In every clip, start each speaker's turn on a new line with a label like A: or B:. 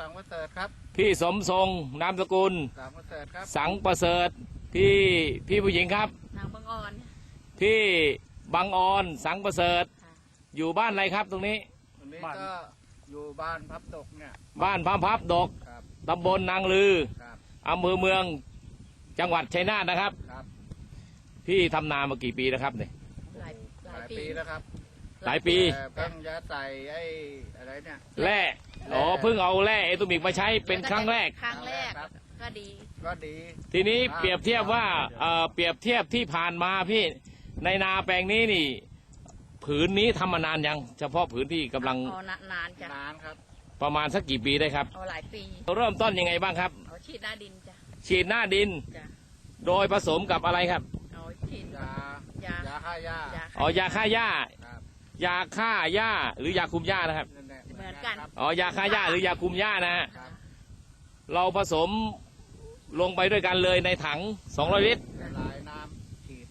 A: สังประเสริฐครับ
B: พี่สมทรงนามสกุล
A: สังประเสริฐครับ
B: สังประเสริฐพี่ผู้หญิงครับ
C: นางบางอ่อน
B: พี่บังออนสังประเสริฐอยู่บ้านอะไรครับตรงนี้
A: วันนี้ก็อยู่บ้านพับดกเนี่ย
B: บ้านพับดกตำบลนางลืออำเภอเมืองจังหวัดชัยนาทนะครับพี่ทำนามากี่ปีแล้วครับเนี่ย
C: หลาย
A: ปีแล้วครับ
B: หลายปี
A: เพิ่งจะใส่ไอ้อะไรเนี่ย
B: แร่เพิ่งเอาแร่เอตูมิกมาใช้เป็นครั้งแรก
C: ก็ดี
B: ทีนี้เปรียบเทียบว่าเปรียบเทียบที่ผ่านมาพี่ในนาแปลงนี้นี่ผืนนี้ทำมานานยังเฉพาะผืนที่กำลัง
C: นานจ้ะ
A: นานครับ
B: ประมาณสักกี่ปีได้ครับ
C: หลายปี
B: เริ่มต้นยังไงบ้างครับ
C: ฉีดหน้าดินจ้ะ
B: ฉีดหน้าดินโดยผสมกับอะไรครับ
C: ฉีด
A: ยาฆ่าหญ้
B: ายาฆ่าหญ้ายาฆ่าหญ้าหรือยาคุมหญ้านะครับ
C: เหมือนกัน
B: ยาฆ่าหญ้าหรือยาคุมหญ้านะฮะเราผสมลงไปด้วยกันเลยในถัง200 ลิตร
A: ละลายน้ำฉีด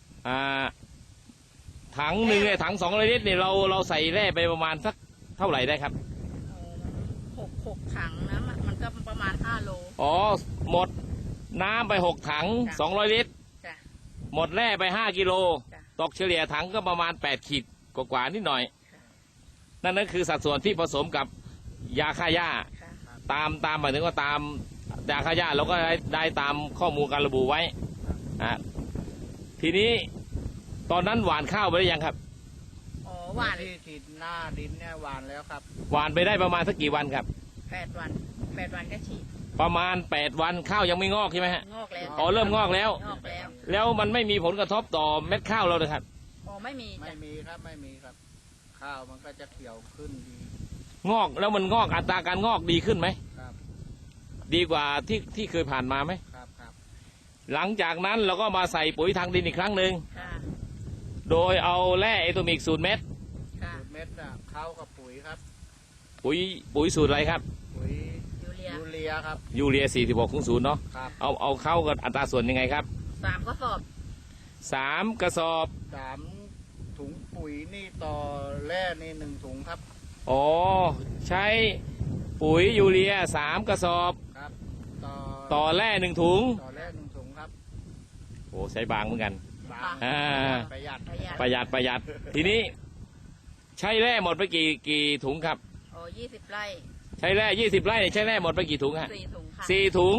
B: ถังหนึ่งเนี่ยถัง200 ลิตรเนี่ยเราใส่แร่ไปประมาณสักเท่าไหร่ได้ครับ
C: 6 ถังนะมันก็ประมาณ5 โล
B: หมดน้ำไป6 ถัง200 ลิตรหมดแร่ไป5 กิโลตกเฉลี่ยถังก็ประมาณ8 ขีดกว่านิดหน่อยนั่นคือสัดส่วนที่ผสมกับยาฆ่าหญ้าตามหมายถึงว่าตามยาฆ่าหญ้าเราก็ได้ตามข้อมูลการระบุไว้ทีนี้ตอนนั้นหว่านข้าวไปหรือยังครับ
A: หว่านที่ฉีดหน้าดินเนี่ยหว่านแล้วครับ
B: หว่านไปได้ประมาณสักกี่วันครับ
C: 8 วันก็ฉีด
B: ประมาณ8 วันข้าวยังไม่งอกใช่ไหมฮะ
C: งอกแล้ว
B: เริ่มงอกแล้วแล้วมันไม่มีผลกระทบต่อเม็ดข้าวเราเลยครับ
C: ไม่มี
A: ครับข้าวมันก็จะเขียวขึ้นดี
B: งอกแล้วมันงอกอัตราการงอกดีขึ้นไหม
A: ครับ
B: ดีกว่าที่เคยผ่านมาไหม
A: ครับ
B: หลังจากนั้นเราก็มาใส่ปุ๋ยทางดินอีกครั้งหนึ่งโดยเอาแร่เอโตมิกสูตรเม็ด
A: เข้ากับปุ๋ยครับ
B: ปุ๋ยสูตรอะไรครับ
A: ปุ๋ยยูเรียครับ
B: ยูเรีย46:0เนาะเอาเข้ากับอัตราส่วนยังไงครับ
C: 3 กระสอบ
B: 3 กระสอบ
A: 3 ถุงปุ๋ยนี่ต่อแร่นี่1 ถุงครับ
B: ใช้ปุ๋ยยูเรีย3 กระสอบ
A: ครับ
B: ต่อแร่1 ถุง
A: ครับ
B: ใช้บางเหมือนกัน
A: ประห
B: ยัดทีนี้ใช้แร่หมดไปกี่ถุงครับ
C: 20 ไร่
B: ใช้แร่20 ไร่ใช้แร่หมดไปกี่ถุงฮะ
C: 4 ถุงค่ะ
B: 4 ถุง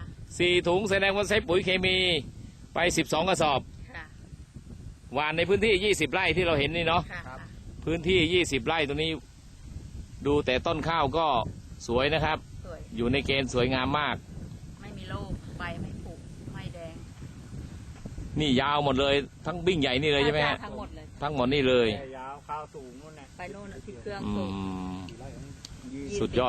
B: 4 ถุงแสดงว่าใช้ปุ๋ยเคมีไป12 กระสอบหว่านในพื้นที่20 ไร่ที่เราเห็นนี่เนาะพื้นที่20 ไร่ตัวนี้ดูแต่ต้นข้าวก็สวยนะครับอยู่ในเกณฑ์สวยงามมาก
C: ไม่มีโรคใบไม่ผุไม่แดง
B: นี่ยาวหมดเลยทั้งบิ่งใหญ่นี่เลยใช่ไหมฮะทั้งหมดนี่เลย
A: ยาวข้าวสูงนู่นน่ะ
C: ไปโน่นที่เครื่องสูง
B: สุดยอด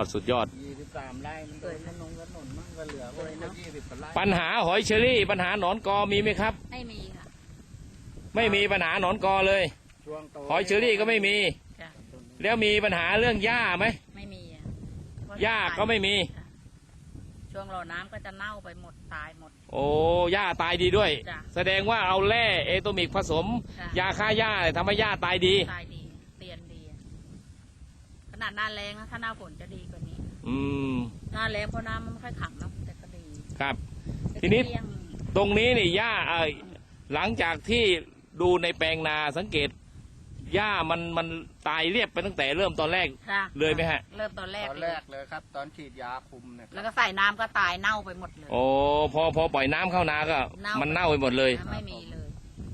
A: 23 ไร่มันเลยถนนมั่งก็เหลือไว้นะ20 ไร่
B: ปัญหาหอยเชอรี่ปัญหาหนอนกอมีไหมครับ
C: ไม่มีค่ะ
B: ไม่มีปัญหาหนอนกอเลยหอยเชอรี่ก็ไม่มีแล้วมีปัญหาเรื่องหญ้าไหม
C: ไม่มี
B: หญ้าก็ไม่มี
C: ช่วงรอน้ำก็จะเน่าไปหมดตายหมด
B: หญ้าตายดีด้วยแสดงว่าเอาแร่เอโตมิกผสมยาฆ่าหญ้าทำให้หญ้าตายดี
C: เตียนดีขนาดหน้าแรงนะถ้าหน้าฝนจะดีกว่านี้หน้าแรงเพราะน้ำมันไม่ค่อยขังแล้วแต่ก็ดี
B: ครับทีนี้ตรงนี้นี่หญ้าหลังจากที่ดูในแปลงนาสังเกตหญ้ามันตายเรียบไปตั้งแต่เริ่มตอนแรกเลยไหมฮะ
C: เริ่มตอนแรก
A: เลยครับตอนฉีดยาคุมเนี่ย
C: แล้วก็ใส่น้ำก็ตายเน่าไปหมดเลย
B: พอปล่อยน้ำเข้านาก็มันเน่าไปหมดเลย
C: ไม่มีเลย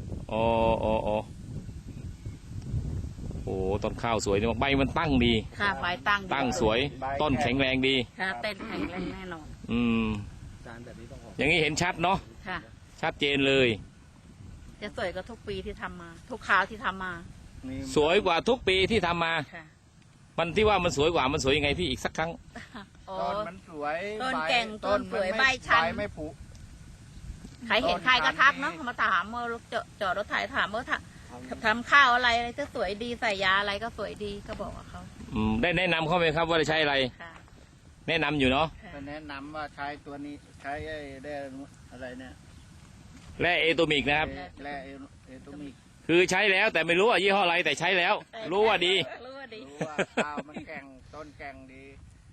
B: ต้นข้าวสวยนี่ใบมันตั้งดี
C: ค่ะใบ
B: ตั้งสวยต้นแข็งแรงดี
C: ค่ะเต้นแข็งแรงแน่นอน
B: อย่างนี้เห็นชัดเนาะชัดเจนเลย
C: จะสวยกว่าทุกปีที่ทำมาทุกคราวที่ทำมา
B: สวยกว่าทุกปีที่ทำมามันที่ว่ามันสวยกว่ามันสวยยังไงพี่อีกสักครั้ง
A: ต้นมันสวย
C: ต้นแก่งต้นสวยใบชัน
A: ไม่ผุ
C: ใครเห็นใครก็ทักเนาะมาถามเมื่อจอดรถไถถามเมื่อทำข้าวอะไรจะสวยดีใส่ยาอะไรก็สวยดีก็บอกเขา
B: ได้แนะนำเขาไหมครับว่าจะใช้อะไรแนะนำอยู่เนาะ
A: แนะนำว่าใช้ตัวนี้ใช้ได้อะไรเนี่ย
B: แร่เอโตมิกนะครับ
A: แร่เอโตมิก
B: คือใช้แล้วแต่ไม่รู้ว่ายี่ห้ออะไรแต่ใช้แล้วรู้ว่าดี
A: รู้ว่าข้าวมันแข็งต้นแข็งดี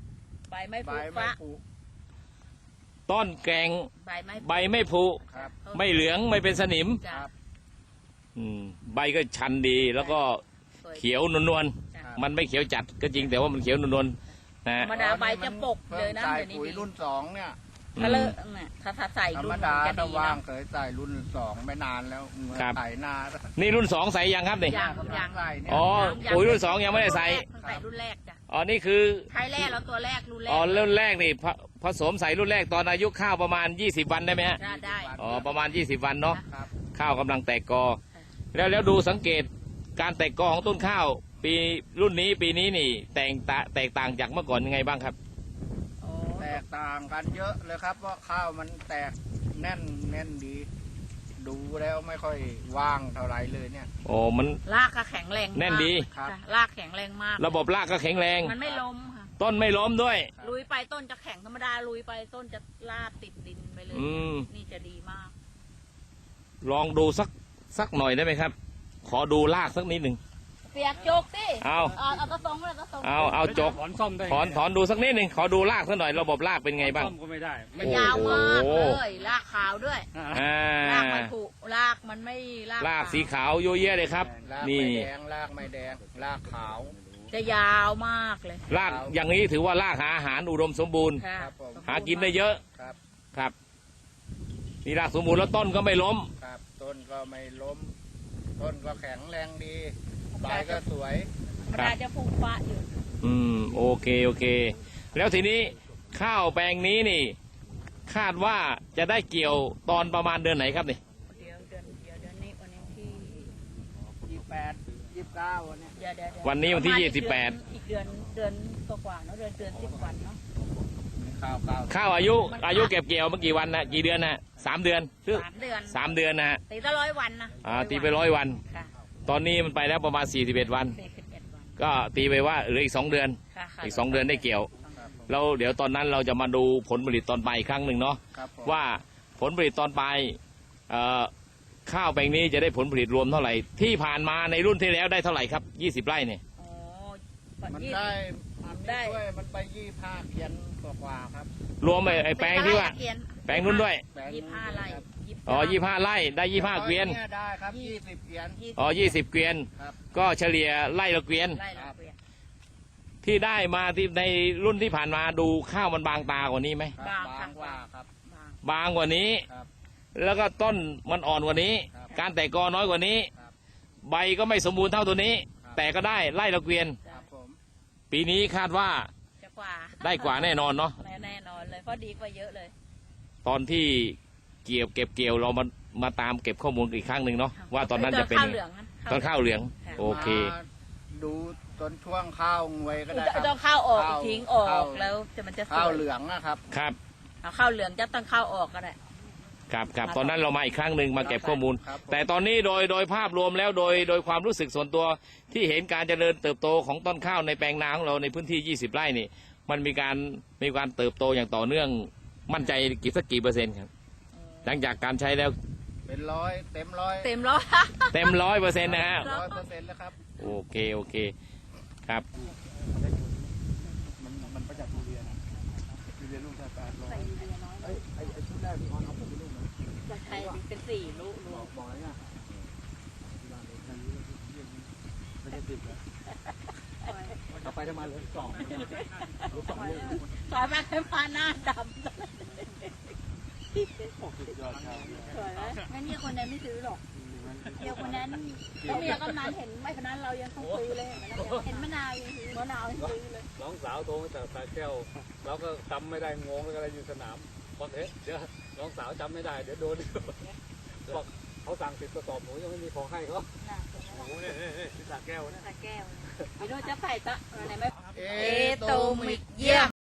C: ใบไม่
A: ใบ
C: ผุ
A: ไม่
C: ฟ้า
A: ผุ
B: ต้นแกง
C: ใบไม่
B: ใบไม่ผุ
A: ครับ
B: ไม่เหลืองไม่เป็นสนิม
A: ค
C: จ้ะ
A: รับ
B: ใบก็ชันดีแล้วก็
C: สวย
B: เขียวนวล
C: จ้ะ
B: ๆมันไม่เขียวจัดก็จริงแต่ว่ามันเขียวนวลๆนะ
C: ธรรมดาใบจะปกเลยนะ
A: ใส่
C: เดี๋ยวนี้
A: ปุ๋ย
C: ดี
A: รุ่นสองเนี่ย
C: ถ้าเลิกเนี่ยถ้าใส่
A: ธร
C: รุ่
A: รม
C: น
A: ดา
C: จะ
A: ถ้า
C: ดี
A: ว่าง
C: นะ
A: เคยใส่รุ่นสองไม่นานแล้วเมื่อใส่หน้า
B: นี่รุ่น2ใส่ยังครับนี่
C: ยัง
A: ใส่เนี่ย
B: อ๋อปุ๋ยรุ่น2ยังไม่ได้ใส่
C: ใส่รุ่นแรกจ้ะ
B: อ๋อนี่คือ
C: ใช้แรกแล้วตัวแรกรุ่นแรก
B: อ๋อรุ่นแรกนี่ผสมใส่รุ่นแรกตอนอายุข้าวประมาณ20 วันได้ไหมฮะ
C: ได้
B: อ๋อประมาณ20 วันเนาะ
A: ครับ
B: ข้าวกำลังแตกกอ แล้วดูสังเกตการแตกกอของต้นข้าว ปีรุ่นนี้ปีนี้นี่แตกต่างจากเมื่อก่อนยังไงบ้างครับ
C: อ๋อ
A: แตกต่างกันเยอะเลยครับเพราะข้าวมันแตกแน่นดี ดูแล้วไม่ค่อยว่างเท่าไหรเลยเนี่ย
B: โอ้มัน
C: รากก็แข็งแรง
B: แน่นดี
A: ครับ
C: จ้ะรากแข็งแรงมาก
B: ระบบรากก็แข็งแรง
C: มันไม่ล้มค่ะ
B: ต้นไม่ล้มด้วย
C: ลุยไปต้นจะแข็งธรรมดาลุยไปต้นจะลาดติดดินไปเลย
B: อืม
C: นี่จะดีมาก
B: ลองดูสักหน่อยได้ไหมครับ ขอดูรากสักนิดหนึ่ง
C: เปียกโจกสิ
B: เอา
C: เอากระทรงเลยกระทรง
B: เอาจก
D: ถอนซ่อมได้
B: ถอนดูสักนิดหนึ่งขอดูรากสักหน่อยระบบรากเป็นไงบ้าง
D: ซ่อมก็ไม่ได้
C: มันยาวมาก
B: โอ้โห
C: เลยรากขาวด้วย
B: อ่าร
C: ากมันผุรากมันไม่
B: รากสีขาวโยเยะเลยครับ
A: ราก
B: นี่
A: ไม่แดงรากไม่แดงรากขาว
C: จะยาวมากเลย
B: รากอย่างนี้ถือว่ารากหาอาหารอุดมสมบูรณ์
C: ค่ะ
A: ครับผม
B: หากินได้เยอะ
A: ครับ
B: ครับนี่รากสมบูรณ์แล้วต้นก็ไม่ล้ม
A: ครับ ต้นก็ไม่ล้ม ต้นก็แข็งแรงดีใบก็สวย
C: ธรรมดาจะผุฟ้าอยู่
B: โอเค แล้วทีนี้ข้าวแปลงนี้นี่ คาดว่าจะได้เกี่ยวตอนประมาณเดือนไหนครับนี่
C: เดี๋ยวเดือนนี้วันนี้ที่
A: 28 29วันเนี้ย
C: เดี๋ยว
B: วันนี้วันที่
C: ประมาณ
B: 28
C: อีกเดือนกว่าๆเนาะเดือน10 วันเนาะ
A: ข้าว
B: ข้าวอายุเก็บเกี่ยวเมื่อกี่วันนะกี่เดือนนะ3 เดือนหรือ
C: 3 เดือน
B: 3 เดือนนะฮะ
C: ตีตั้ง100 วันนะ
B: ตีไป100 วัน
C: ค่ะ
B: ตอนนี้มันไปแล้วประมาณ41 วัน
C: 41 วัน
B: ก็ตีไปว่าเหลืออีก2 เดือน
C: ค่ะค่ะ
B: อีก2 เดือนได้เกี่ยว
A: ครับผม
B: แล้วเดี๋ยวตอนนั้นเราจะมาดูผลผลิตตอนปลายอีกครั้งหนึ่งเนาะ
A: ครับผม
B: ว่าผลผลิตตอนปลายข้าวแปลงนี้จะได้ผลผลิตรวมเท่าไหร่ ที่ผ่านมาในรุ่นที่แล้วได้เท่าไหร่ครับ20 ไร่เนี่ย
C: อ๋อ
A: มัน
C: ยี่
A: ได้มัน
C: ได้
A: ช่วยมันไป25เพียนกว่าๆครับ
B: รวมไอ้แปลงที่ว่า
C: เกียน
B: แปลงนู้นด้วย
A: แปลง
C: 25 ไร่
B: อ๋อ25 ไร่ได้25 เกวียน
A: นี่ได้ครับ20เพียน
B: อ๋อ20 เกวียน
A: ครับ
B: ก็เฉลี่ยไร่ละเกวียน
C: ไร่ละเกวียน
B: ที่ได้มาที่ในรุ่นที่ผ่านมาดูข้าวมันบางตากว่านี้ไหม
A: ครับบางกว่าครับ
B: บางกว่านี้
A: ครับ
B: แล้วก็ต้นมันอ่อนกว่านี้
A: ครับ
B: การแตกกอน้อยกว่านี้
A: ครับ
B: ใบก็ไม่สมบูรณ์เท่าตัวนี้
A: ครับ
B: แต่ก็ได้ไร่ละเกวียน
A: ครับผม
B: ปีนี้คาดว่า
C: จะกว่า
B: ได้กว่าแน่นอนเนาะ
C: แน่นอนเลยเพราะดีกว่าเยอะเลย
B: ตอนที่เก็บเกี่ยวเรามาตามเก็บข้อมูลอีกครั้งหนึ่งเนาะว่าตอนนั้นจะเป็น
C: ข้าวเหลืองนะ
B: ตอนข้าวเหลือง
C: ค่ะ
B: โอเค
A: มาดูต้นช่วงข้าวงวยก็ได้ครับ
C: ต้องข้าวออก
A: ข้าว
C: ทิ้งออก
A: ข้าว
C: แล้วมันจะสวย
A: ข้าวเหลืองนะครับ
B: ครับ
C: เอาข้าวเหลืองจะต้องข้าวออกก็ได้
B: ครับตอนนั้นเรามาอีกครั้งหนึ่งมาเก็บข้อมูล
A: ครับผม
B: แต่ตอนนี้โดยภาพรวมแล้วโดยความรู้สึกส่วนตัวที่เห็นการเจริญเติบโตของต้นข้าวในแปลงนาของเราในพื้นที่ 20 ไร่นี่ มันมีการเติบโตอย่างต่อเนื่องมั่นใจกี่เปอร์เซ็นต์ครับหลังจากการใช้แล้ว
A: เป็นร้อยเต็มร้อย
C: เต็มร้อย
B: เต็ม100%นะฮะ
A: 100%แล้วครับ
B: โอเคครับ
D: มันประหยัดทุเรียนทุเรียนลูกแค่800ไอ้ชุดแรกที่ออนเอาผมไปลูกนะ
C: จะใช้เป็น4 ลูก
D: บอกอะไรเนี่ยที่บ้านเลยนั่นไม่ใช่10เลยเอาไปทำไมเลย2ลูก2ลูก
C: ซอยมาให้มาหน้าดำ
D: สุดยอดครับ
C: สวยไหมงั้นเนี่ยคนนั้นไม่ซื้อหรอกเดี๋ยวคนนั้นก็เมียกำนันเห็นไม่คนนั้นเรายังต้องซื้อเลยเห็นมะนาวยังซื้อมะนาวยังซื้อเลย
D: น้องสาวโทรมาจากสระแก้วเราก็จำไม่ได้งงอะไรอยู่สนามบอกเอ๊ะเดี๋ยวน้องสาวจำไม่ได้เดี๋ยวโดนบอกเขาสั่ง10 กระสอบหนูยังไม่มีของให้เขาโอ้โหเนี่ยที่สระแก้วเนี่ย
C: ตะแก้วไม่รู้จะใส่ตะอะไรไหม
A: เอ
C: โตมิกเยี่ยม